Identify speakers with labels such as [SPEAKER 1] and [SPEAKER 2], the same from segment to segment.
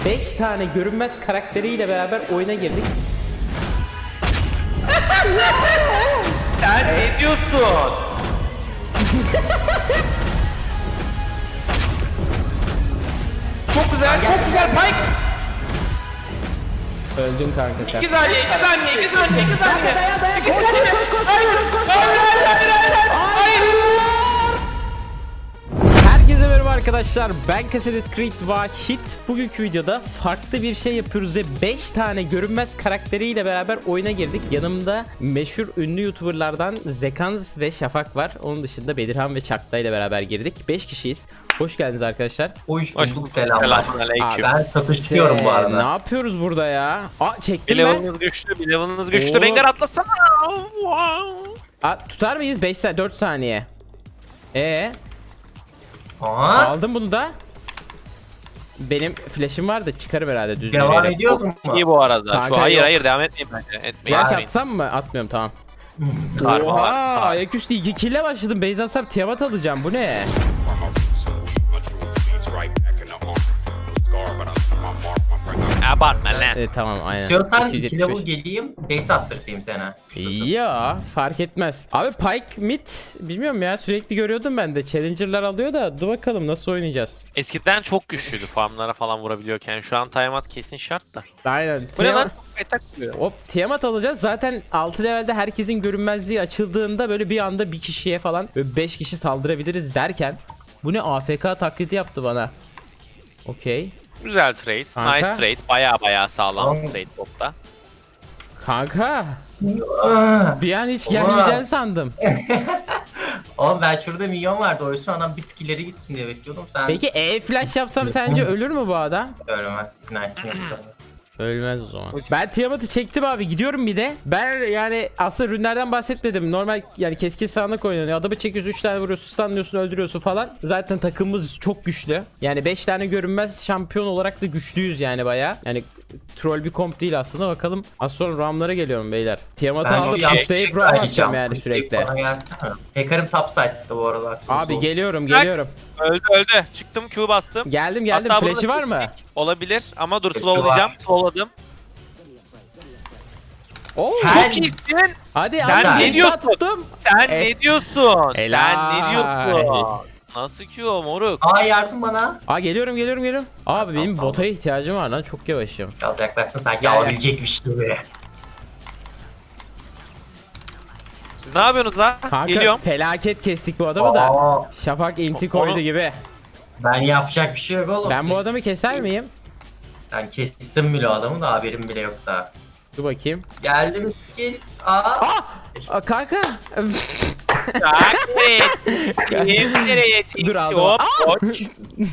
[SPEAKER 1] 5 tane görünmez karakteriyle beraber oyuna girdik.
[SPEAKER 2] Sen ne diyorsun? Çok güzel, çok güzel Mike.
[SPEAKER 1] Öldün kanka sen.
[SPEAKER 2] 2 saniye, 2 saniye, 2 saniye, 2 saniye.
[SPEAKER 1] Herkese merhaba arkadaşlar, ben Assassin's Creed Vahit. Bugünkü videoda farklı bir şey yapıyoruz ve 5 tane görünmez karakteriyle beraber oyuna girdik. Yanımda meşhur ünlü youtuberlardan Zekans ve Şafak var. Onun dışında Bedirhan ve Çakta ile beraber girdik. 5 kişiyiz. Hoş geldiniz arkadaşlar.
[SPEAKER 3] Hoş bulduk, selamlar.
[SPEAKER 2] Selamünaleyküm.
[SPEAKER 3] Ben satışlıyorum bu arada.
[SPEAKER 1] Ne yapıyoruz burada ya? Aa,
[SPEAKER 2] Bir
[SPEAKER 1] çektim ben.
[SPEAKER 2] level'ınız güçlü, bir level'ınız güçlü.
[SPEAKER 1] Oo.
[SPEAKER 2] Rengar atlasana. Wow.
[SPEAKER 1] Aa, tutar mıyız? 4 saniye.
[SPEAKER 3] Aha,
[SPEAKER 1] Aldım bunu da. Benim flash'im var da çıkarım herhalde düzgün.
[SPEAKER 3] devam ediyoruz mu?
[SPEAKER 2] İyi bu arada.
[SPEAKER 1] Kanka
[SPEAKER 2] Şu hayır
[SPEAKER 1] yok.
[SPEAKER 2] hayır devam etmeyin bence. Etmeyin.
[SPEAKER 1] Flash
[SPEAKER 2] etmeyin.
[SPEAKER 1] atsam mı? Atmıyorum, tamam.
[SPEAKER 2] Harbi,
[SPEAKER 1] Oha,
[SPEAKER 2] harbi.
[SPEAKER 1] ayaküstü 2 kill'e başladım. Base atsam Tiamat alacağım. Bu ne?
[SPEAKER 2] Abartma lan.
[SPEAKER 1] Tamam, aynen.
[SPEAKER 3] İstiyorsan 2
[SPEAKER 1] 275.
[SPEAKER 3] level geleyim, base attırtayım sana.
[SPEAKER 1] Ya fark etmez. Abi Pyke mid bilmiyorum ya, sürekli görüyordum ben de. Challenger'lar alıyor da dur bakalım nasıl oynayacağız.
[SPEAKER 2] Eskiden çok güçlüydü farmlara falan vurabiliyorken. Şu an timeout kesin şart da.
[SPEAKER 1] Aynen.
[SPEAKER 2] Bu ne lan? Etak diyor.
[SPEAKER 1] Hop, Tiamat alacağız. Zaten 6 levelde herkesin görünmezliği açıldığında böyle bir anda bir kişiye falan 5 kişi saldırabiliriz derken bu ne, AFK taklidi yaptı bana. Okey.
[SPEAKER 2] Güzel trade.
[SPEAKER 1] Kanka.
[SPEAKER 2] Nice trade. Baya sağlam
[SPEAKER 3] Tamam.
[SPEAKER 2] trade botta.
[SPEAKER 1] Kanka
[SPEAKER 3] Aa,
[SPEAKER 1] bir an hiç
[SPEAKER 3] Oha.
[SPEAKER 1] gelmeyeceğini sandım.
[SPEAKER 3] Oğlum ben şurada milyon vardı, oysa adam bitkileri gitsin diye bekliyordum. Sen
[SPEAKER 1] Peki flash yapsam sence ölür mü bu adam?
[SPEAKER 3] ölmez. Knight'ın yoksa.
[SPEAKER 1] Ölmez o zaman. Ben Tiamat'ı çektim abi, gidiyorum bir de. Ben yani aslında rünlerden bahsetmedim. Normal yani keskin sağanak oynanıyor. Adamı çekiyorsun, 3 tane vuruyorsun, stunlıyorsun, öldürüyorsun falan. Zaten takımımız çok güçlü. Yani 5 tane görünmez şampiyon olarak da güçlüyüz yani baya. Yani troll bir komp değil aslında. Bakalım az sonra Ram'lara geliyorum beyler. Tiamat'ı
[SPEAKER 3] Ben
[SPEAKER 1] alıp
[SPEAKER 3] şu
[SPEAKER 1] pushlayıp Ram atacağım yani sürekli.
[SPEAKER 3] Bana gelsene. Hacker'ım topside'da bu aralar.
[SPEAKER 1] Abi geliyorum
[SPEAKER 2] Bak.
[SPEAKER 1] geliyorum.
[SPEAKER 2] Öldü. Çıktım Q bastım.
[SPEAKER 1] Geldim
[SPEAKER 2] Hatta bunu
[SPEAKER 1] flash'i
[SPEAKER 2] da
[SPEAKER 1] var mı?
[SPEAKER 2] kestik. Olabilir ama dur
[SPEAKER 3] Flash'i
[SPEAKER 2] slowlayacağım.
[SPEAKER 3] var.
[SPEAKER 2] Slowladım.
[SPEAKER 1] Oo,
[SPEAKER 3] Sen-
[SPEAKER 2] Çok iyisin.
[SPEAKER 1] hadi
[SPEAKER 2] Sen
[SPEAKER 1] abi,
[SPEAKER 3] ne
[SPEAKER 1] bir
[SPEAKER 2] diyorsun?
[SPEAKER 1] daha tuttum.
[SPEAKER 2] Sen
[SPEAKER 1] E-
[SPEAKER 2] ne diyorsun?
[SPEAKER 1] Helal.
[SPEAKER 2] Sen ne diyorsun? Nasıl Q moruk?
[SPEAKER 3] Aa, yardım bana.
[SPEAKER 1] Aa, geliyorum. Abi benim
[SPEAKER 3] Tamam.
[SPEAKER 1] bota ihtiyacım var lan, çok yavaşım.
[SPEAKER 3] Biraz yaklaşsın sanki
[SPEAKER 1] Gel, gel.
[SPEAKER 3] alabilecekmiş gibi.
[SPEAKER 2] Siz ne yapıyorsunuz lan?
[SPEAKER 1] Kanka
[SPEAKER 2] Geliyorum.
[SPEAKER 1] felaket kestik bu adamı da.
[SPEAKER 3] Aa,
[SPEAKER 1] Şafak inti
[SPEAKER 2] Onu-
[SPEAKER 1] koydu gibi.
[SPEAKER 3] ben yapacak bir şey yok oğlum.
[SPEAKER 1] Ben bu adamı keser miyim?
[SPEAKER 3] Sen kestin bile adamı da haberim bile yok daha.
[SPEAKER 1] Dur bakayım.
[SPEAKER 3] Geldi mi skill? Aa!
[SPEAKER 1] Aa, kanka.
[SPEAKER 2] Kim nereye
[SPEAKER 1] Dur,
[SPEAKER 2] çekti?
[SPEAKER 1] aldım.
[SPEAKER 2] Hop koç.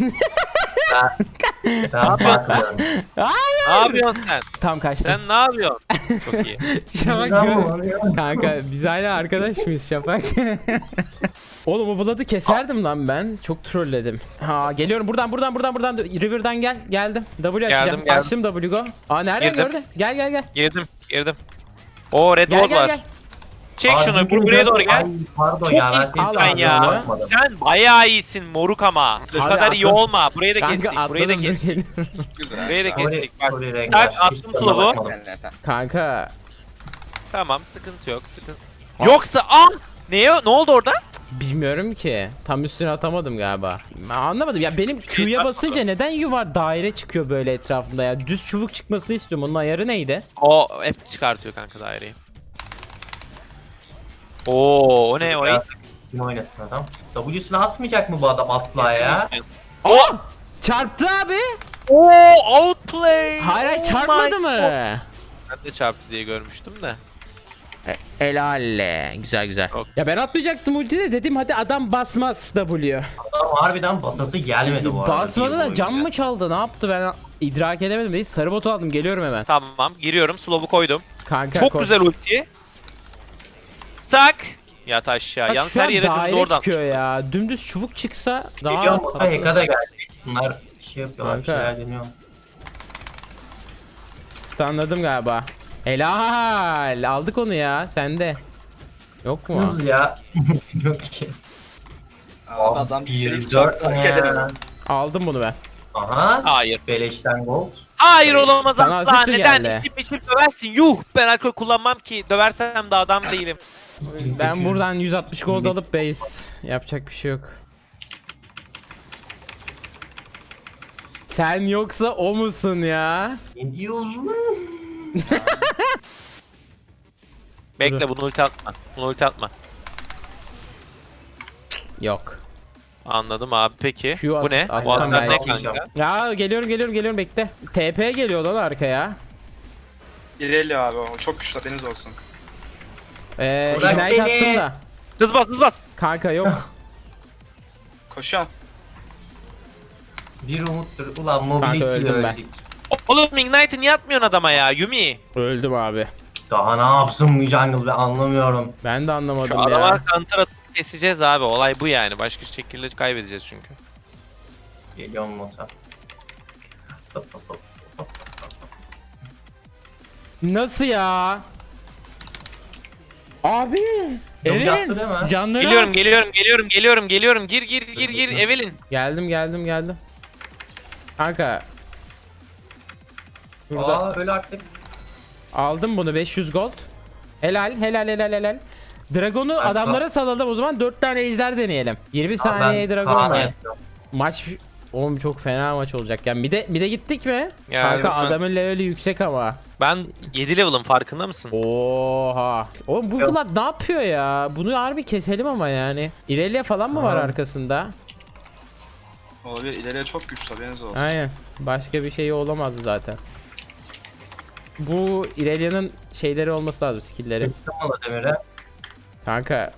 [SPEAKER 3] Ben bakmıyorum.
[SPEAKER 2] Ne yapıyorsun sen?
[SPEAKER 1] Tam kaçtım.
[SPEAKER 2] Sen ne yapıyorsun? Çok iyi.
[SPEAKER 1] Şafak
[SPEAKER 3] Tamam,
[SPEAKER 1] gör. Kanka biz hala arkadaş mıyız Şafak? Oğlum o Vlad'ı keserdim lan ben. Çok trolledim. Ha, geliyorum buradan. River'dan geldim. W açacağım.
[SPEAKER 2] Geldim.
[SPEAKER 1] Açtım W go. Aa, nereden
[SPEAKER 2] Girdim.
[SPEAKER 1] gördü? Gel.
[SPEAKER 2] Girdim. Oo red
[SPEAKER 1] Gel,
[SPEAKER 2] ward
[SPEAKER 1] gel,
[SPEAKER 2] var.
[SPEAKER 1] gel.
[SPEAKER 2] Çek
[SPEAKER 3] Aa,
[SPEAKER 2] şunu
[SPEAKER 3] çünkü
[SPEAKER 2] buraya doğru gel.
[SPEAKER 3] Ay, pardon
[SPEAKER 2] Çok
[SPEAKER 3] ya, ben
[SPEAKER 2] iyisin
[SPEAKER 3] seni
[SPEAKER 1] sen ya.
[SPEAKER 3] bakmadım.
[SPEAKER 2] Sen bayağı iyisin moruk ama. Bu
[SPEAKER 1] Abi
[SPEAKER 2] kadar iyi
[SPEAKER 1] atladım.
[SPEAKER 2] olma. Burayı da
[SPEAKER 1] Kanka
[SPEAKER 2] kestik. Burayı da
[SPEAKER 1] atladım, dur
[SPEAKER 2] kestik.
[SPEAKER 1] geliyorum.
[SPEAKER 2] Burayı da kestik. Bak.
[SPEAKER 3] Sorry, renk
[SPEAKER 2] Tak,
[SPEAKER 3] var.
[SPEAKER 2] attım
[SPEAKER 3] Hiç tadına
[SPEAKER 2] slow'u.
[SPEAKER 3] bakmadım.
[SPEAKER 1] Kanka
[SPEAKER 2] Tamam sıkıntı yok. Yoksa ne oldu orada?
[SPEAKER 1] bilmiyorum ki. Tam üstüne atamadım galiba. Ben anlamadım ya, benim Q'ya
[SPEAKER 2] takmadı.
[SPEAKER 1] basınca neden yuvar daire çıkıyor böyle etrafında ya? Düz çubuk çıkmasını istiyorum. Onun ayarı neydi?
[SPEAKER 2] O hep çıkartıyor kanka daireyi. Oo o ne o
[SPEAKER 3] Biraz kim oynasın adam? W'sunu atmayacak mı bu adam asla ya?
[SPEAKER 1] Oh! Çarptı abi.
[SPEAKER 2] Oo outplay.
[SPEAKER 1] Hayır,
[SPEAKER 2] Oh
[SPEAKER 1] çarpmadı
[SPEAKER 2] my
[SPEAKER 1] mı?
[SPEAKER 2] God. Ben de çarptı diye görmüştüm de.
[SPEAKER 1] Helalle. Güzel.
[SPEAKER 2] Yok.
[SPEAKER 1] Ya ben atmayacaktım ultide, dedim hadi adam basmaz W.
[SPEAKER 3] Adam harbiden basası gelmedi bu arada.
[SPEAKER 1] Basmadı
[SPEAKER 3] bir
[SPEAKER 1] da
[SPEAKER 3] oyun
[SPEAKER 1] cam
[SPEAKER 3] ya.
[SPEAKER 1] mı çaldı, ne yaptı, ben idrak edemedim. Değil, sarı botu aldım, geliyorum hemen.
[SPEAKER 2] Tamam giriyorum slow'u koydum.
[SPEAKER 1] Kanka
[SPEAKER 2] Çok
[SPEAKER 1] koş.
[SPEAKER 2] güzel ulti. Tak. Yat aşağı.
[SPEAKER 1] Bak
[SPEAKER 2] Yalnız
[SPEAKER 1] şu
[SPEAKER 2] her
[SPEAKER 1] an
[SPEAKER 2] yere düz
[SPEAKER 1] daire
[SPEAKER 2] oradan.
[SPEAKER 1] çıkıyor ya. Dümdüz çubuk çıksa daha
[SPEAKER 3] Geliyorum, bota
[SPEAKER 1] tatlı.
[SPEAKER 3] Heka da geldi. Bunlar şey yapıyorlar, bir
[SPEAKER 1] Kanka.
[SPEAKER 3] şeyler deniyor.
[SPEAKER 1] Stunladım galiba. Helal. Aldık onu ya. Sende. Yok mu?
[SPEAKER 3] Hız ya. Yok ki.
[SPEAKER 4] Abi adam
[SPEAKER 3] 1
[SPEAKER 4] sürekli
[SPEAKER 3] 4
[SPEAKER 4] hareket edemem.
[SPEAKER 1] Aldım bunu ben.
[SPEAKER 3] Aha.
[SPEAKER 2] Hayır.
[SPEAKER 3] Beleşten gold.
[SPEAKER 2] Hayır olamaz
[SPEAKER 1] Sana
[SPEAKER 2] asla.
[SPEAKER 1] asist mi
[SPEAKER 2] Neden?
[SPEAKER 1] geldi?
[SPEAKER 2] İçip içip döversin. Yuh. Ben alkol kullanmam ki. Döversem de adam değilim.
[SPEAKER 1] Ben buradan 160 gold alıp base. Yapacak bir şey yok. Sen yoksa o musun ya?
[SPEAKER 3] Ne diyorsun?
[SPEAKER 2] Bekle bunu ulti atma. Bunu ulti atma.
[SPEAKER 1] Yok.
[SPEAKER 2] Anladım abi peki.
[SPEAKER 1] Şu
[SPEAKER 2] Bu ne?
[SPEAKER 1] at-
[SPEAKER 2] Bu
[SPEAKER 1] atsam
[SPEAKER 2] adamlar ne
[SPEAKER 1] belki.
[SPEAKER 2] kanka?
[SPEAKER 1] Ya geliyorum bekle. TP geliyor lan arkaya.
[SPEAKER 4] İlerliyor abi o. Çok güçlü haberiniz olsun.
[SPEAKER 3] Bırak
[SPEAKER 1] Ignite
[SPEAKER 3] beni.
[SPEAKER 1] attım da.
[SPEAKER 2] Hız bas hız bas.
[SPEAKER 1] Kanka yok.
[SPEAKER 4] Koşuyorum.
[SPEAKER 3] Bir umuttur. Ulan
[SPEAKER 1] Kanka
[SPEAKER 3] mobility
[SPEAKER 1] öldüm ben.
[SPEAKER 3] öldük.
[SPEAKER 2] Oğlum Ignite'ı niye atmıyorsun adama ya? Yumi.
[SPEAKER 1] Öldüm abi.
[SPEAKER 3] Daha ne yapsın bu jungle ben anlamıyorum.
[SPEAKER 1] Ben de
[SPEAKER 2] Şu
[SPEAKER 1] anlamadım
[SPEAKER 2] adama
[SPEAKER 1] ya.
[SPEAKER 2] counter atıp keseceğiz abi. Olay bu yani. Başka şekilde kaybedeceğiz çünkü.
[SPEAKER 3] Geliyorum mota. Hop, hop, hop.
[SPEAKER 1] Nasıl ya? Abi.
[SPEAKER 3] Yok,
[SPEAKER 1] Evelyn.
[SPEAKER 3] yaptı değil mi?
[SPEAKER 1] Canları
[SPEAKER 2] Geliyorum
[SPEAKER 1] az.
[SPEAKER 2] geliyorum. Gir Evelyn.
[SPEAKER 1] Geldim. Kanka. Burada
[SPEAKER 3] Aa öyle artık.
[SPEAKER 1] aldım bunu 500 gold. Helal. Dragon'u
[SPEAKER 3] Ben
[SPEAKER 1] adamlara salalım o zaman 4 tane ejder deneyelim. 20 saniye Dragon
[SPEAKER 3] Kaan'a
[SPEAKER 1] var.
[SPEAKER 3] yapıyorum.
[SPEAKER 1] Maç oğlum çok fena maç olacak. Yani bir de gittik mi?
[SPEAKER 2] Ya,
[SPEAKER 1] Kanka
[SPEAKER 4] lütfen.
[SPEAKER 1] adamın leveli yüksek ama.
[SPEAKER 2] Ben 7 level'ım farkında mısın?
[SPEAKER 1] Oha. Oğlum bu Vlad ne yapıyor ya? Bunu harbi keselim ama yani. İrelia falan mı var
[SPEAKER 3] Aha.
[SPEAKER 1] arkasında?
[SPEAKER 4] Olabilir. İleriye çok güçlü haberiniz olsun.
[SPEAKER 1] Aynen. Başka bir şey olamazdı zaten. Bu İrelia'nın şeyleri olması lazım, skill'leri.
[SPEAKER 3] Çıktım ona demire.
[SPEAKER 1] Kanka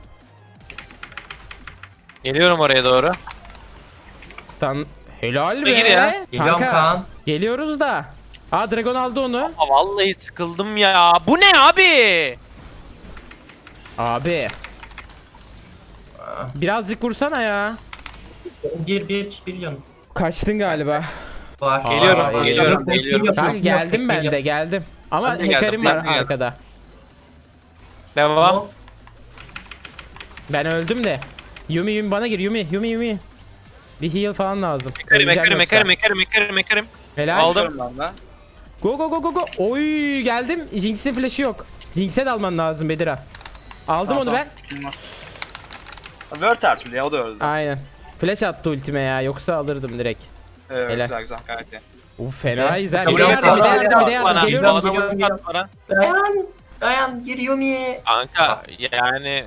[SPEAKER 2] Geliyorum oraya doğru.
[SPEAKER 1] stun helal
[SPEAKER 2] Gir
[SPEAKER 1] be.
[SPEAKER 2] ya.
[SPEAKER 3] Geliyorum
[SPEAKER 1] Kanka
[SPEAKER 3] Kaan.
[SPEAKER 1] geliyoruz da. Aa Dragon aldı onu.
[SPEAKER 2] Aa, vallahi sıkıldım ya. Bu ne abi?
[SPEAKER 1] Abi. Birazcık vursana ya.
[SPEAKER 3] Bir yan.
[SPEAKER 1] Kaçtın galiba.
[SPEAKER 3] Var.
[SPEAKER 2] Geliyorum,
[SPEAKER 1] Aa,
[SPEAKER 2] geliyorum.
[SPEAKER 1] Kanka geldim ben de geldim. Ama
[SPEAKER 2] Ben de geldim,
[SPEAKER 1] hacker'im
[SPEAKER 2] ben
[SPEAKER 1] var
[SPEAKER 2] de geldim.
[SPEAKER 1] arkada.
[SPEAKER 2] Devam.
[SPEAKER 1] Ben öldüm de. Yumi bana gir Yumi. Bir heal falan lazım. Öleceğim
[SPEAKER 2] Mekarım.
[SPEAKER 1] Helal.
[SPEAKER 2] Aldım.
[SPEAKER 4] Koşuyorum ben de.
[SPEAKER 1] Go. Oy geldim. Jinx'in flash'ı yok. Jinx'e de alman lazım Bedira. Aldım onu ben.
[SPEAKER 4] Word her türlü ya o da öldü.
[SPEAKER 1] Aynen. Flash attı ultime ya. Yoksa alırdım direkt.
[SPEAKER 4] Evet
[SPEAKER 1] Helal.
[SPEAKER 4] güzel gayet iyi.
[SPEAKER 1] Uf fenayız ha.
[SPEAKER 3] Tamam,
[SPEAKER 1] Bir de yardım.
[SPEAKER 2] Bana,
[SPEAKER 1] Geliyoruz.
[SPEAKER 3] Geliyorum.
[SPEAKER 2] bana.
[SPEAKER 3] Dayan gir Yumi.
[SPEAKER 2] Kanka yani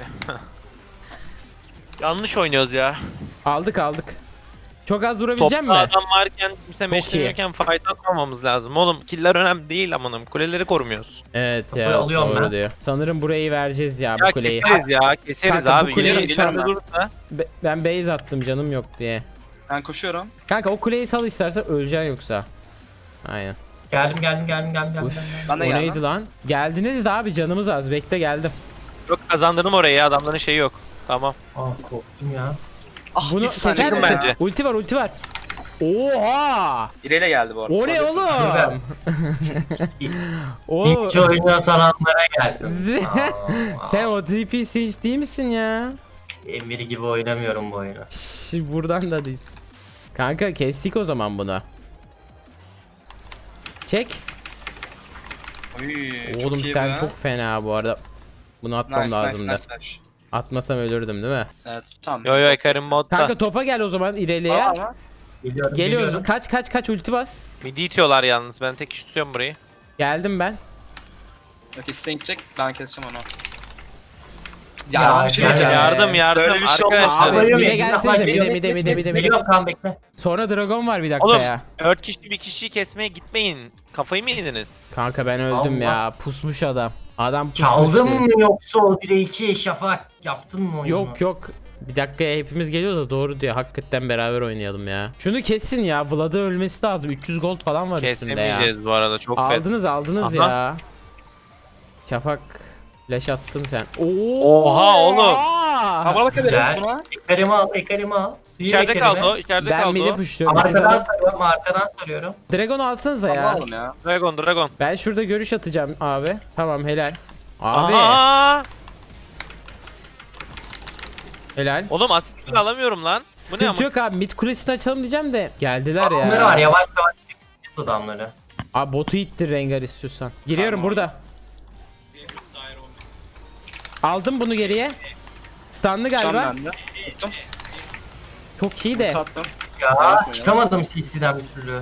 [SPEAKER 2] yanlış oynuyoruz ya.
[SPEAKER 1] Aldık. Çok az vurabilecek
[SPEAKER 2] Topta
[SPEAKER 1] mi?
[SPEAKER 2] adam varken kimse
[SPEAKER 1] iyi.
[SPEAKER 2] meşleniyorken fight atmamamız lazım. Oğlum killer önemli değil amanım. Kuleleri korumuyoruz.
[SPEAKER 1] Evet
[SPEAKER 3] Kafayı
[SPEAKER 1] ya.
[SPEAKER 3] alıyorum
[SPEAKER 1] Doğru
[SPEAKER 3] ben.
[SPEAKER 1] diyor. Sanırım burayı vereceğiz ya bu
[SPEAKER 2] Ya
[SPEAKER 1] kuleyi.
[SPEAKER 2] keseriz
[SPEAKER 1] Kanka, bu
[SPEAKER 2] abi.
[SPEAKER 1] kuleyi
[SPEAKER 2] Gelirim
[SPEAKER 1] sana-
[SPEAKER 2] durursa.
[SPEAKER 1] Ben base attım canım yok diye.
[SPEAKER 4] Ben koşuyorum.
[SPEAKER 1] Kanka o kuleyi sal istersen öleceksin yoksa. Aynen.
[SPEAKER 3] Geldim.
[SPEAKER 1] Uf,
[SPEAKER 4] Ben de
[SPEAKER 1] o
[SPEAKER 4] geldim.
[SPEAKER 1] neydi lan? Geldiniz de abi canımız az. Bekle geldim.
[SPEAKER 2] Yok kazandırdım orayı ya. Adamların şeyi yok. Tamam.
[SPEAKER 3] Aa korktum ya.
[SPEAKER 4] Ah
[SPEAKER 1] Bunu
[SPEAKER 4] efsane
[SPEAKER 1] keser
[SPEAKER 4] çıktım
[SPEAKER 1] misin?
[SPEAKER 2] bence.
[SPEAKER 1] Ulti var. Oha!
[SPEAKER 4] İreyle geldi bu arada.
[SPEAKER 1] O ne
[SPEAKER 4] Sonra
[SPEAKER 1] oğlum? O
[SPEAKER 3] Hiç oyunu saranlara gelsin.
[SPEAKER 1] sen o TP Siege değil misin ya?
[SPEAKER 3] Emir gibi oynamıyorum bu oyunu.
[SPEAKER 1] Şş, buradan da değiliz. Kanka kestik o zaman bunu. Çek.
[SPEAKER 4] Oy,
[SPEAKER 1] Oğlum
[SPEAKER 4] iyi
[SPEAKER 1] sen
[SPEAKER 4] be.
[SPEAKER 1] çok fena bu arada. Bunu atmam
[SPEAKER 4] Nice
[SPEAKER 1] lazımdı.
[SPEAKER 4] nice.
[SPEAKER 1] Atmasam ölürdüm değil mi?
[SPEAKER 4] Evet tamam.
[SPEAKER 2] Yo Ekarim modda.
[SPEAKER 1] Kanka topa gel o zaman ileriye.
[SPEAKER 4] Ama
[SPEAKER 1] Geliyoruz. Kaç ulti bas.
[SPEAKER 2] Midi itiyorlar yalnız. Ben tek iş tutuyorum burayı.
[SPEAKER 1] Geldim ben.
[SPEAKER 4] yok isteyin gidecek ben keseceğim onu.
[SPEAKER 3] Ya,
[SPEAKER 4] Ya bir şey diyeceğim.
[SPEAKER 2] Yardım
[SPEAKER 4] Böyle bir şey olmaz.
[SPEAKER 2] arkadaşlar.
[SPEAKER 1] Abi,
[SPEAKER 3] Abi,
[SPEAKER 1] bir de gelsenize, bir de.
[SPEAKER 3] Geliyorum Kaan bekle.
[SPEAKER 1] Sonra Dragon var bir dakika
[SPEAKER 2] Oğlum
[SPEAKER 1] ya.
[SPEAKER 2] 4 kişi bir kişiyi kesmeye gitmeyin. Kafayı mı yediniz?
[SPEAKER 1] Kanka ben öldüm
[SPEAKER 3] Allah.
[SPEAKER 1] ya. Pusmuş adam. Adam pusmuş.
[SPEAKER 3] Çaldın mı yoksa o 1'e 2 Şafak yaptın mı oyunu?
[SPEAKER 1] Yok. Bir dakikaya hepimiz geliyoruz da doğru diyor. Hakikaten beraber oynayalım ya. Şunu kessin ya. Vlad'ı ölmesi lazım. 300 gold falan var üstünde ya.
[SPEAKER 2] Kesmemeyeceğiz bu arada çok fed.
[SPEAKER 1] Aldınız
[SPEAKER 2] Aha.
[SPEAKER 1] ya. Şafak flash attın sen.
[SPEAKER 2] Oha oğlum.
[SPEAKER 4] Havalı
[SPEAKER 3] Güzel.
[SPEAKER 4] kadar buna.
[SPEAKER 3] Ekarımı al. Suyu
[SPEAKER 2] İçeride
[SPEAKER 3] ekarime.
[SPEAKER 2] kaldı o. İçeride
[SPEAKER 1] Ben
[SPEAKER 2] kaldı
[SPEAKER 1] midi
[SPEAKER 2] o.
[SPEAKER 1] pushluyorum. Siz
[SPEAKER 3] Arkadan
[SPEAKER 1] alın.
[SPEAKER 3] sarıyorum, arkadan sarıyorum.
[SPEAKER 1] Dragon alsanıza ya.
[SPEAKER 4] Alalım ya.
[SPEAKER 2] Dragon.
[SPEAKER 1] Ben şurada görüş atacağım abi. Tamam helal. Abi
[SPEAKER 2] Aha!
[SPEAKER 1] helal.
[SPEAKER 2] Oğlum asistini alamıyorum lan.
[SPEAKER 1] Sıkıntı
[SPEAKER 2] ama?
[SPEAKER 1] yok abi. Mid kulesini açalım diyeceğim de geldiler
[SPEAKER 3] Bunları
[SPEAKER 1] ya.
[SPEAKER 3] var yavaş yavaş çekeceğiz adamları.
[SPEAKER 1] Abi botu ittir Rengar istiyorsan. Giriyorum
[SPEAKER 4] Tamam.
[SPEAKER 1] burada. Aldım bunu geriye. Stunlı
[SPEAKER 4] Can
[SPEAKER 1] galiba.
[SPEAKER 4] bende. Tuttum.
[SPEAKER 1] Çok iyi de.
[SPEAKER 4] Tattım.
[SPEAKER 3] Ya çıkamadım CC'den bir türlü.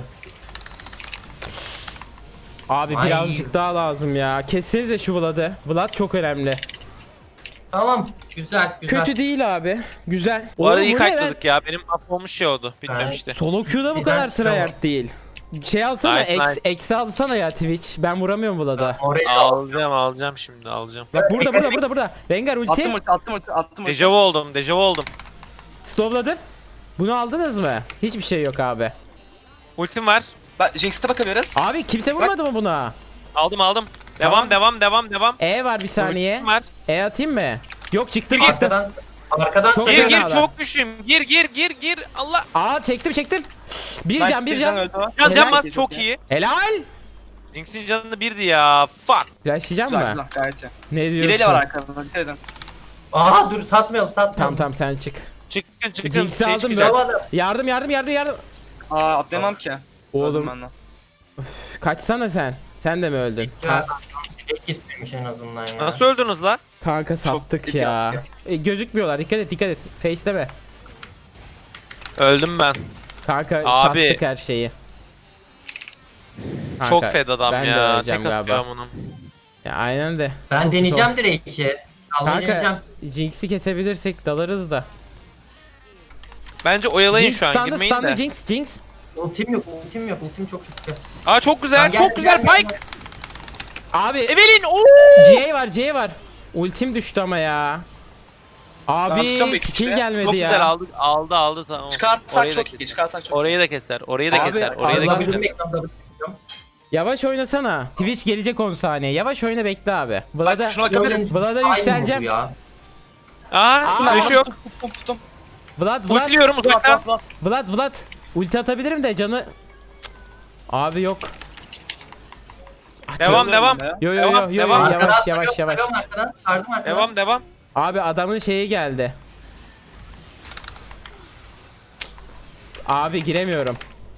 [SPEAKER 1] Abi
[SPEAKER 3] Ay.
[SPEAKER 1] birazcık daha lazım ya. Kessenize şu Vlad'ı. Vlad çok önemli.
[SPEAKER 3] Tamam güzel güzel.
[SPEAKER 1] Kötü değil abi. Güzel.
[SPEAKER 2] Bu arada
[SPEAKER 1] Oğlum
[SPEAKER 2] iyi
[SPEAKER 1] bu ne
[SPEAKER 2] kayıtladık ya. Benim mahvolmuş şey oldu. Bitmemişti.
[SPEAKER 1] Solo queue'da bu kadar tryhard değil. Şey alsana,
[SPEAKER 2] Nice, nice.
[SPEAKER 1] eksi alsana ya Twitch. Ben vuramıyorum Vlad'a.
[SPEAKER 3] Oraya
[SPEAKER 2] Alacağım şimdi alacağım.
[SPEAKER 1] Bak burada. Rengar ulti.
[SPEAKER 4] Attım ulti.
[SPEAKER 2] Dejavu oldum.
[SPEAKER 1] Slowladı. Bunu aldınız mı? Hiçbir şey yok abi.
[SPEAKER 2] Ultim var.
[SPEAKER 4] Ben Jinx'e bakabiliriz.
[SPEAKER 1] Abi kimse vurmadı mı buna?
[SPEAKER 2] Aldım.
[SPEAKER 1] Tamam.
[SPEAKER 2] Devam.
[SPEAKER 1] E var bir saniye.
[SPEAKER 2] Ultim var.
[SPEAKER 1] E atayım mı? Yok çıktım.
[SPEAKER 2] Gir,
[SPEAKER 3] arkadan
[SPEAKER 1] Çok
[SPEAKER 2] Gir
[SPEAKER 1] fena
[SPEAKER 2] çok güçlüyüm. Gir. Allah.
[SPEAKER 1] Aa çektim. Bir
[SPEAKER 4] Nice,
[SPEAKER 1] can.
[SPEAKER 4] öldü o.
[SPEAKER 2] Can
[SPEAKER 1] Helal.
[SPEAKER 2] bas çok iyi.
[SPEAKER 1] Helal.
[SPEAKER 2] Jinx'in canı birdi ya. Fuck.
[SPEAKER 1] Flashlayacağım
[SPEAKER 4] Güzel
[SPEAKER 1] mı?
[SPEAKER 4] güzel gayet iyi.
[SPEAKER 1] Ne diyorsun?
[SPEAKER 4] İleri var arkamda. Dikkat edin.
[SPEAKER 3] Aha dur satmayalım.
[SPEAKER 1] Tamam sen çık.
[SPEAKER 2] Çıkın.
[SPEAKER 1] Jinx'i aldım
[SPEAKER 2] çıkacak.
[SPEAKER 1] ben. Yardım.
[SPEAKER 4] Aa atlayamam ki.
[SPEAKER 1] Oğlum
[SPEAKER 4] Öldüm ben de.
[SPEAKER 1] kaçsana sen. Sen de mi öldün?
[SPEAKER 3] Ya direkt gitmemiş en azından ya.
[SPEAKER 2] Nasıl öldünüz la?
[SPEAKER 1] Kanka sattık
[SPEAKER 4] dik
[SPEAKER 1] ya.
[SPEAKER 4] yaptık
[SPEAKER 1] Gözükmüyorlar. Dikkat et. Face'leme.
[SPEAKER 2] Öldüm ben.
[SPEAKER 1] Kanka
[SPEAKER 2] Abi.
[SPEAKER 1] sattık her şeyi. Kanka,
[SPEAKER 2] Çok fed adam
[SPEAKER 1] ben de
[SPEAKER 2] ya.
[SPEAKER 1] öleceğim
[SPEAKER 2] Tek
[SPEAKER 1] galiba.
[SPEAKER 2] atıyorum onu.
[SPEAKER 1] Ya aynen de.
[SPEAKER 3] Ben
[SPEAKER 1] Çok
[SPEAKER 3] deneyeceğim
[SPEAKER 1] zor.
[SPEAKER 3] Drake'i. Almayı deneyeceğim.
[SPEAKER 1] Kanka Jinx'i kesebilirsek dalarız da.
[SPEAKER 2] Bence oyalayın
[SPEAKER 1] Jinx
[SPEAKER 2] şu an
[SPEAKER 1] stunlı,
[SPEAKER 2] girmeyin
[SPEAKER 1] stunlı,
[SPEAKER 2] de.
[SPEAKER 1] Jinx.
[SPEAKER 3] Ultim yok. Ultim çok riskli.
[SPEAKER 2] Aa çok güzel
[SPEAKER 3] Gel, gel,
[SPEAKER 2] Pike.
[SPEAKER 1] Abi
[SPEAKER 2] Evelyn ooo.
[SPEAKER 1] C var. Ultim düştü ama ya.
[SPEAKER 4] Ben tutuyorum
[SPEAKER 1] Abi
[SPEAKER 4] iki
[SPEAKER 1] skill
[SPEAKER 4] kişiyi.
[SPEAKER 1] gelmedi
[SPEAKER 2] Çok
[SPEAKER 1] ya.
[SPEAKER 2] güzel aldı tamam.
[SPEAKER 4] Çıkartsak
[SPEAKER 2] Orayı da
[SPEAKER 4] çok
[SPEAKER 2] keser.
[SPEAKER 4] iyi. Çıkartsak çok iyi.
[SPEAKER 2] Orayı da keser. Orayı da
[SPEAKER 1] Abi,
[SPEAKER 2] keser. Orayı da
[SPEAKER 1] Allah
[SPEAKER 2] keser.
[SPEAKER 3] Benim ekranda
[SPEAKER 1] Yavaş oynasana. Twitch gelecek 10 saniye. Yavaş oyna bekle abi. Vlad'a
[SPEAKER 4] şuna bakabiliriz.
[SPEAKER 1] Vlad'a yükseleceğim.
[SPEAKER 3] Ya.
[SPEAKER 2] Aa flash yok.
[SPEAKER 4] Tuttum.
[SPEAKER 1] Vlad.
[SPEAKER 2] Ultiliyorum uzaktan.
[SPEAKER 1] Vlad. Ulti atabilirim de canı... Cık. Abi yok.
[SPEAKER 2] Devam.
[SPEAKER 1] Yo
[SPEAKER 2] Devam.
[SPEAKER 1] yavaş.
[SPEAKER 3] Arkadan. Sardım arkadan.
[SPEAKER 2] Devam.
[SPEAKER 1] Abi adamın şeyi geldi. Abi giremiyorum.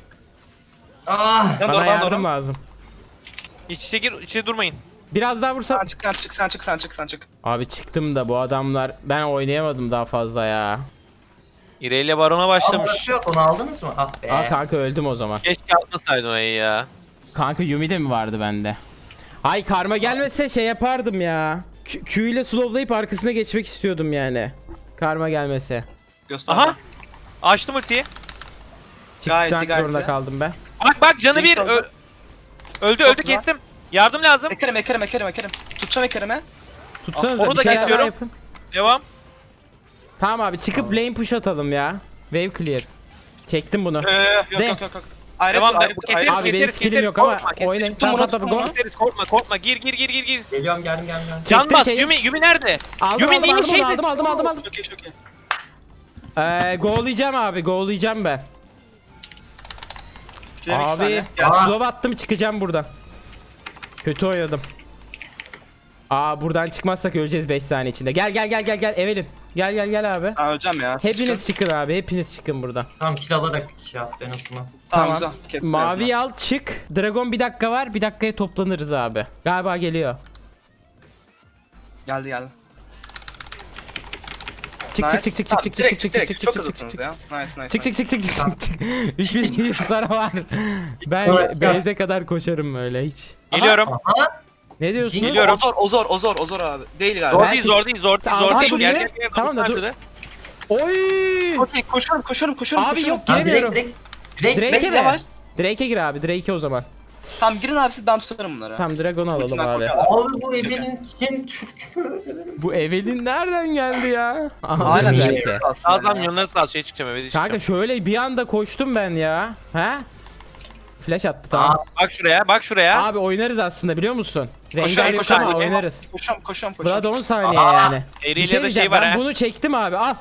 [SPEAKER 3] Ah.
[SPEAKER 1] Bana yardım lazım.
[SPEAKER 2] İç içe gir, içe durmayın.
[SPEAKER 1] Biraz daha vursam.
[SPEAKER 4] Sen çık.
[SPEAKER 1] Abi çıktım da bu adamlar ben oynayamadım daha fazla ya.
[SPEAKER 2] İrelia Baron'a başlamış.
[SPEAKER 3] Yok onu aldınız mı? Ah be.
[SPEAKER 1] Aa kanka öldüm o zaman.
[SPEAKER 2] Keşke atmasaydın orayı ya.
[SPEAKER 1] Kanka Yumi de mi vardı bende? Ay karma gelmese şey yapardım ya. Q ile slowlayıp arkasına geçmek istiyordum yani. Karma gelmese.
[SPEAKER 4] Göster.
[SPEAKER 2] Aha. Açtım ultiyi.
[SPEAKER 4] Gayet iyi,
[SPEAKER 1] Çıkmak
[SPEAKER 4] gayet
[SPEAKER 1] zorunda
[SPEAKER 4] iyi.
[SPEAKER 1] kaldım ben.
[SPEAKER 2] Bak canı
[SPEAKER 4] Jinx
[SPEAKER 2] bir.
[SPEAKER 4] oldu.
[SPEAKER 2] Öldü
[SPEAKER 4] Çok güzel.
[SPEAKER 2] kestim. Yardım lazım.
[SPEAKER 4] Ekerim. Tutacağım Ekerim'e.
[SPEAKER 1] Tutsanıza
[SPEAKER 2] onu
[SPEAKER 1] bir
[SPEAKER 2] da
[SPEAKER 1] şeyler daha
[SPEAKER 2] kesiyorum.
[SPEAKER 1] yapın.
[SPEAKER 2] Devam.
[SPEAKER 1] Tamam abi çıkıp lane push atalım ya. Wave clear. Çektim bunu.
[SPEAKER 4] Yok.
[SPEAKER 1] De.
[SPEAKER 2] Devam. Keseriz.
[SPEAKER 1] Abi benim skillim yok ama
[SPEAKER 2] Korkma, keseriz.
[SPEAKER 1] oynayın.
[SPEAKER 4] Tuttum
[SPEAKER 1] Tamam
[SPEAKER 4] bunu,
[SPEAKER 1] go.
[SPEAKER 2] Keseriz korkma. Gir.
[SPEAKER 3] Geliyorum geldim.
[SPEAKER 2] Can
[SPEAKER 1] Çektim
[SPEAKER 2] bas.
[SPEAKER 1] şeyi.
[SPEAKER 2] Yumi nerede?
[SPEAKER 1] Aldım
[SPEAKER 2] Yumi neymiş
[SPEAKER 1] aldım,
[SPEAKER 2] şeydi?
[SPEAKER 1] aldım.
[SPEAKER 4] Çok iyi.
[SPEAKER 1] Go'layacağım abi go'layacağım ben. Abi
[SPEAKER 3] Ya.
[SPEAKER 1] slow attım çıkacağım buradan. Kötü oynadım. Aa buradan çıkmazsak öleceğiz 5 saniye içinde. Gel Evelyn. Gel abi.
[SPEAKER 4] Öleceğim ya.
[SPEAKER 1] Hepiniz çıkın abi. Hepiniz çıkın buradan.
[SPEAKER 3] Tamam kill alarak şey yaptı en azından.
[SPEAKER 4] Tamam güzel. Kes
[SPEAKER 1] Mavi
[SPEAKER 4] biraz
[SPEAKER 1] al çık. Dragon bir dakika var. Bir dakikaya toplanırız abi. Galiba geliyor.
[SPEAKER 4] daha. Geldi.
[SPEAKER 1] Çık.
[SPEAKER 4] Çok hızlısınız ya. Nice.
[SPEAKER 1] Çık. 3000 sonra var. Ben
[SPEAKER 3] Sonra-
[SPEAKER 1] base'e kadar koşarım öyle hiç.
[SPEAKER 2] Geliyorum.
[SPEAKER 3] Aha.
[SPEAKER 1] Ne diyorsunuz?
[SPEAKER 2] Geliyorum.
[SPEAKER 4] Ozor abi. Değil galiba.
[SPEAKER 2] Zor değil. Zor
[SPEAKER 1] Tamam,
[SPEAKER 2] değil.
[SPEAKER 1] dur
[SPEAKER 2] Gel.
[SPEAKER 1] ya. Tamam da dur.
[SPEAKER 2] Nerede?
[SPEAKER 1] Oy!
[SPEAKER 4] Okey koşuyorum.
[SPEAKER 1] Abi yok
[SPEAKER 3] Tamam,
[SPEAKER 1] giremiyorum.
[SPEAKER 3] direkt.
[SPEAKER 1] Drake'e
[SPEAKER 4] Drake
[SPEAKER 1] mi?
[SPEAKER 4] yavaş.
[SPEAKER 1] Drake'e gir abi. Drake'e o zaman.
[SPEAKER 4] Tamam girin abi siz ben tutarım bunları.
[SPEAKER 1] Tamam Dragon'u alalım
[SPEAKER 4] Ultimate
[SPEAKER 1] abi.
[SPEAKER 4] bakalım.
[SPEAKER 3] Abi bu evinin kim Türk?
[SPEAKER 1] Bu Evelyn nereden geldi ya? Aha,
[SPEAKER 4] Aynen
[SPEAKER 1] güzel
[SPEAKER 4] bir
[SPEAKER 1] ki.
[SPEAKER 2] Sağdan yanına sağ şey çıkacağım eve çıkacağım.
[SPEAKER 1] Kanka şöyle bir anda koştum ben ya. Ha? Flash attı tamam.
[SPEAKER 2] Bak şuraya.
[SPEAKER 1] Abi oynarız aslında biliyor musun?
[SPEAKER 2] Koşarız,
[SPEAKER 1] Rengar yok ama
[SPEAKER 2] koşarız.
[SPEAKER 1] oynarız.
[SPEAKER 4] Koşuyorum.
[SPEAKER 1] Vlad 10 saniye
[SPEAKER 3] Aa,
[SPEAKER 1] yani.
[SPEAKER 2] Eriyle
[SPEAKER 1] Bir şey
[SPEAKER 2] de
[SPEAKER 1] diyeceğim,
[SPEAKER 2] şey var
[SPEAKER 1] ben
[SPEAKER 2] ha.
[SPEAKER 1] bunu çektim abi al.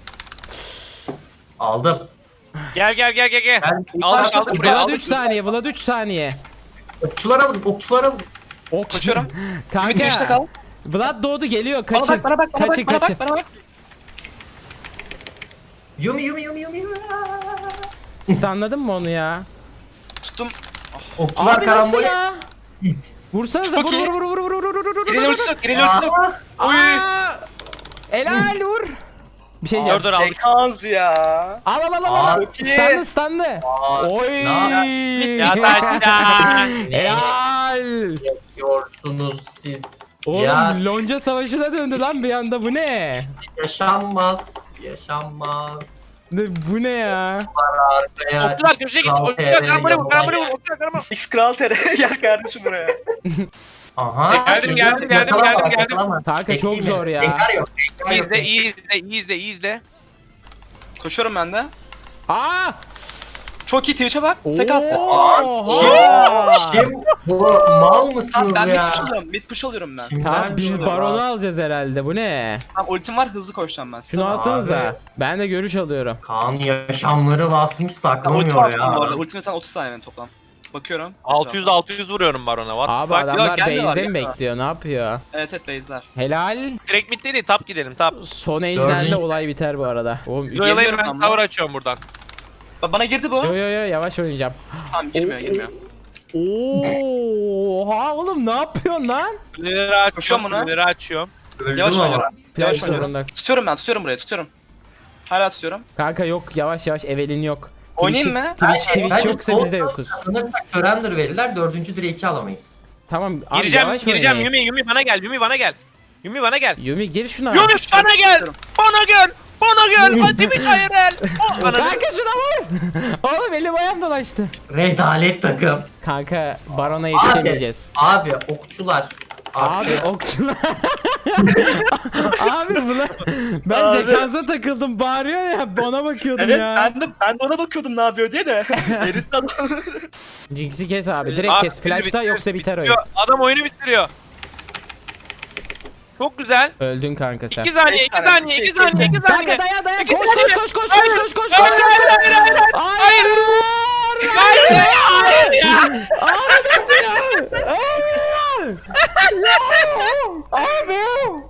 [SPEAKER 3] Aldım.
[SPEAKER 2] Gel.
[SPEAKER 3] Ben
[SPEAKER 2] Aldım buraya.
[SPEAKER 1] Vlad
[SPEAKER 2] Aldım.
[SPEAKER 1] 3 saniye, Vlad 3 saniye.
[SPEAKER 3] okçulara vurdum.
[SPEAKER 1] Ok.
[SPEAKER 4] Koşuyorum. Bir girişte
[SPEAKER 1] Kanka.
[SPEAKER 4] kal.
[SPEAKER 1] Vlad doğdu geliyor
[SPEAKER 4] Bana
[SPEAKER 1] kaçın.
[SPEAKER 4] bak.
[SPEAKER 1] Kaçın.
[SPEAKER 3] Yumi.
[SPEAKER 1] Anladın mı onu ya?
[SPEAKER 4] Tuttum.
[SPEAKER 3] Okçular
[SPEAKER 1] Abi nasıl
[SPEAKER 3] karambol.
[SPEAKER 1] ya? Vursanıza
[SPEAKER 4] Çok
[SPEAKER 1] vur
[SPEAKER 4] iyi.
[SPEAKER 1] vur.
[SPEAKER 4] İleri ultisi yok. İleri ultisi yok. Oy.
[SPEAKER 1] Helal vur. Bir şey diyeceğim.
[SPEAKER 2] Dur aldık.
[SPEAKER 5] Sekans ya.
[SPEAKER 1] Al.
[SPEAKER 5] Çok iyi.
[SPEAKER 1] Stunlı. Oy.
[SPEAKER 2] Ya taştan.
[SPEAKER 1] Helal.
[SPEAKER 3] Yapıyorsunuz siz.
[SPEAKER 1] Oğlum
[SPEAKER 3] Ya.
[SPEAKER 1] lonca savaşına döndü lan bir anda, bu ne?
[SPEAKER 3] Yaşanmaz.
[SPEAKER 1] Bu ne ya?
[SPEAKER 3] Arkaya
[SPEAKER 2] Okçular köşeye git. Okçular karambole vur. Okçular karambole.
[SPEAKER 5] X Kral TR gel kardeşim buraya.
[SPEAKER 3] Aha.
[SPEAKER 2] Geldim.
[SPEAKER 3] Yakalama.
[SPEAKER 1] Kanka çok
[SPEAKER 3] Bekleyeyim
[SPEAKER 1] zor
[SPEAKER 3] mi?
[SPEAKER 1] ya.
[SPEAKER 3] Bekar yok.
[SPEAKER 2] İyi izle.
[SPEAKER 4] Koşuyorum ben de.
[SPEAKER 1] Aa!
[SPEAKER 4] Çok iyi Twitch'e bak. Tek attı.
[SPEAKER 1] Oha!
[SPEAKER 3] Kim bu? Mal mısınız
[SPEAKER 4] Tamam ben
[SPEAKER 3] ya?
[SPEAKER 4] mid push alıyorum. Mid push alıyorum ben.
[SPEAKER 3] Kimden
[SPEAKER 1] Tamam biz
[SPEAKER 3] biliyorum
[SPEAKER 1] baronu
[SPEAKER 3] abi?
[SPEAKER 1] alacağız herhalde, bu ne?
[SPEAKER 4] Tamam ultim var hızlı koşacağım ben.
[SPEAKER 1] Şunu alsanıza.
[SPEAKER 3] Abi.
[SPEAKER 1] Ben de görüş alıyorum.
[SPEAKER 3] Kaan yaşamları basmış
[SPEAKER 4] Ulti
[SPEAKER 3] saklamıyor
[SPEAKER 4] var bu arada.
[SPEAKER 3] ya.
[SPEAKER 4] Ultimate'den 30 saniye benim toplam. Bakıyorum.
[SPEAKER 2] 600 vuruyorum barona. What
[SPEAKER 1] Abi
[SPEAKER 2] the fuck?
[SPEAKER 1] adamlar
[SPEAKER 4] gelmiyorlar,
[SPEAKER 1] base'de mi
[SPEAKER 4] gelmiyorlar.
[SPEAKER 1] bekliyor, ne yapıyor?
[SPEAKER 4] Evet base'ler.
[SPEAKER 1] Helal.
[SPEAKER 2] Direkt mid değil, top gidelim top.
[SPEAKER 1] Son ejderle
[SPEAKER 3] Dördüncü.
[SPEAKER 1] olay biter bu arada. Oğlum
[SPEAKER 2] Yoyalayın,
[SPEAKER 4] Geliyorum
[SPEAKER 2] ben
[SPEAKER 4] ama.
[SPEAKER 2] tower açıyorum buradan.
[SPEAKER 4] Bana girdi bu.
[SPEAKER 1] yo yavaş oynayacağım.
[SPEAKER 4] Tamam girmiyor.
[SPEAKER 1] Oha oğlum ne yapıyorsun lan?
[SPEAKER 2] Kuleleri
[SPEAKER 4] Koşuyorum
[SPEAKER 2] açıyorum,
[SPEAKER 4] buna.
[SPEAKER 2] kuleleri açıyorum.
[SPEAKER 3] Öldüm
[SPEAKER 4] Yavaş
[SPEAKER 3] ama.
[SPEAKER 4] oynuyorum. Yavaş
[SPEAKER 1] Flash
[SPEAKER 4] oynuyorum.
[SPEAKER 1] zorunda.
[SPEAKER 4] Tutuyorum buraya tutuyorum. Hala tutuyorum.
[SPEAKER 1] Kanka yok, yavaş Evelyn yok.
[SPEAKER 4] Oynayayım mı?
[SPEAKER 1] Twitch yoksa biz de yokuz.
[SPEAKER 3] Sanırsak surrender verirler, 4. direği alamayız.
[SPEAKER 1] Tamam abi
[SPEAKER 2] Gireceğim
[SPEAKER 1] yavaş oynayın.
[SPEAKER 2] Yumi bana gel. Yumi bana gel.
[SPEAKER 1] Yumi gir şuna.
[SPEAKER 2] Yumi bana gel. Bana gel. Hadi bir çayır el.
[SPEAKER 1] Kanka şuna vur. Oğlum elim ayağım dolaştı.
[SPEAKER 3] Rezalet takım.
[SPEAKER 1] Kanka barona yetişemeyeceğiz.
[SPEAKER 3] Abi okçular.
[SPEAKER 1] Abi okçular. Abi buna ben
[SPEAKER 5] Abi.
[SPEAKER 1] zekansa takıldım, bağırıyor ya, ona bakıyordum
[SPEAKER 5] Evet
[SPEAKER 1] ya.
[SPEAKER 5] ben de ona bakıyordum ne yapıyor diye de. Erit adam.
[SPEAKER 1] Jinx'i kes abi, direkt
[SPEAKER 2] Abi,
[SPEAKER 1] kes. Flash'ta
[SPEAKER 2] bitiriyor,
[SPEAKER 1] yoksa biter oyun.
[SPEAKER 2] bitiriyor. Adam oyunu bitiriyor. Çok güzel.
[SPEAKER 1] Öldün kanka sen.
[SPEAKER 2] 2 saniye, 2 saniye, 2 saniye, 2
[SPEAKER 1] Kanka
[SPEAKER 2] saniye.
[SPEAKER 1] dayan
[SPEAKER 2] İki
[SPEAKER 1] koş
[SPEAKER 2] saniye.
[SPEAKER 1] koş.
[SPEAKER 2] Hayır.
[SPEAKER 1] Hayır.
[SPEAKER 2] Hayır ya.
[SPEAKER 1] Abi nasıl ya? Abi.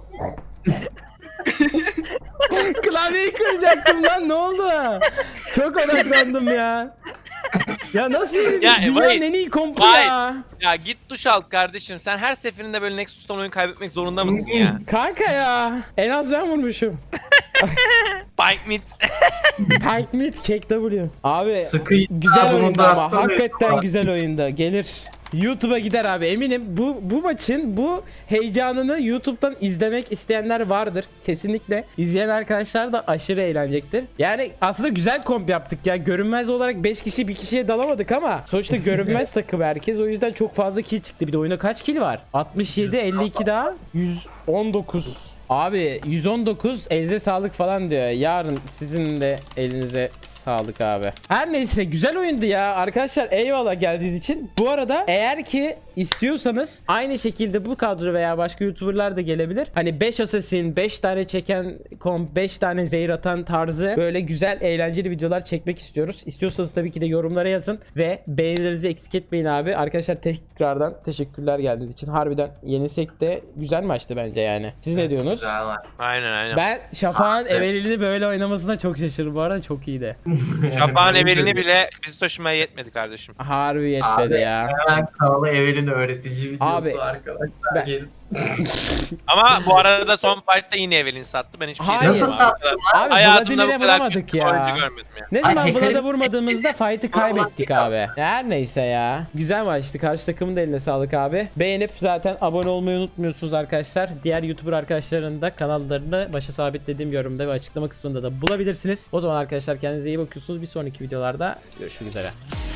[SPEAKER 1] Klavyeyi kıracaktım lan, ne oldu? Çok odaklandım ya. Ya nasıl
[SPEAKER 2] Ya,
[SPEAKER 1] dünyanın
[SPEAKER 2] vay.
[SPEAKER 1] en iyi kompu
[SPEAKER 2] Vay.
[SPEAKER 1] ya.
[SPEAKER 2] Ya git duş al kardeşim. Sen her seferinde böyle Nexus'tan oyun kaybetmek zorunda mısın ya?
[SPEAKER 1] Kanka ya. En az ben vurmuşum.
[SPEAKER 2] Bike mid.
[SPEAKER 1] Pike mid kek W. Abi
[SPEAKER 3] Sıkı
[SPEAKER 1] güzel
[SPEAKER 3] bunu
[SPEAKER 1] oyundu
[SPEAKER 3] da
[SPEAKER 1] ama
[SPEAKER 3] atsana
[SPEAKER 1] hakikaten
[SPEAKER 3] ya.
[SPEAKER 1] güzel oyunda. Gelir. YouTube'a gider abi, eminim bu maçın bu heyecanını YouTube'dan izlemek isteyenler vardır kesinlikle. İzleyen arkadaşlar da aşırı eğlenecektir. Yani aslında güzel komp yaptık ya. Görünmez olarak 5 kişi bir kişiye dalamadık ama sonuçta görünmez takım herkes, o yüzden çok fazla kill çıktı. Bir de oyunda kaç kill var? 67, 52 daha 119. Abi 119, elinize sağlık falan diyor. Yarın sizin de elinize sağlık abi. Her neyse güzel oyundu ya. Arkadaşlar eyvallah geldiğiniz için. Bu arada eğer ki istiyorsanız aynı şekilde bu kadro veya başka YouTuber'lar da gelebilir. Hani 5 assassin, 5 tane çeken komp, 5 tane zehir atan tarzı böyle güzel eğlenceli videolar çekmek istiyoruz. İstiyorsanız tabii ki de yorumlara yazın ve beğenilerinizi eksik etmeyin abi. Arkadaşlar tekrardan teşekkürler geldiğiniz için. Harbiden yenilsek de güzel maçtı bence yani. Siz ne diyorsunuz?
[SPEAKER 3] Güzel var.
[SPEAKER 2] Aynen.
[SPEAKER 1] Ben Şafak'ın Evelyn'i böyle oynamasına çok şaşırdım. Bu arada çok iyiydi.
[SPEAKER 2] Şapağın evelini bile bizi taşımaya yetmedi kardeşim.
[SPEAKER 1] Harbi yetmedi
[SPEAKER 3] Abi,
[SPEAKER 1] ya.
[SPEAKER 3] Hemen kanalı Evelyn öğretici videosu
[SPEAKER 1] Abi,
[SPEAKER 3] arkadaşlar.
[SPEAKER 1] ben-
[SPEAKER 3] Gelin.
[SPEAKER 2] Ama bu arada son fight'ta yine Evelyn sattı. Ben hiçbir şey
[SPEAKER 1] Hayır.
[SPEAKER 2] demiyorum abi.
[SPEAKER 1] Abi
[SPEAKER 2] Hayatımda
[SPEAKER 1] Vladimir'e
[SPEAKER 2] bu kadar
[SPEAKER 1] vuramadık
[SPEAKER 2] kötü bir
[SPEAKER 1] ya.
[SPEAKER 2] oyuncu görmedim ya.
[SPEAKER 1] Ne
[SPEAKER 3] Ay,
[SPEAKER 1] zaman
[SPEAKER 3] hacker'in-
[SPEAKER 1] Vlad'a vurmadığımızda fight'ı kaybettik abi. Her neyse ya. Güzel maçtı. Karşı takımın da eline sağlık abi. Beğenip zaten abone olmayı unutmuyorsunuz arkadaşlar. Diğer YouTuber arkadaşların da kanallarını başa sabitlediğim yorumda ve açıklama kısmında da bulabilirsiniz. O zaman arkadaşlar kendinize iyi bakıyorsunuz. Bir sonraki videolarda görüşmek üzere.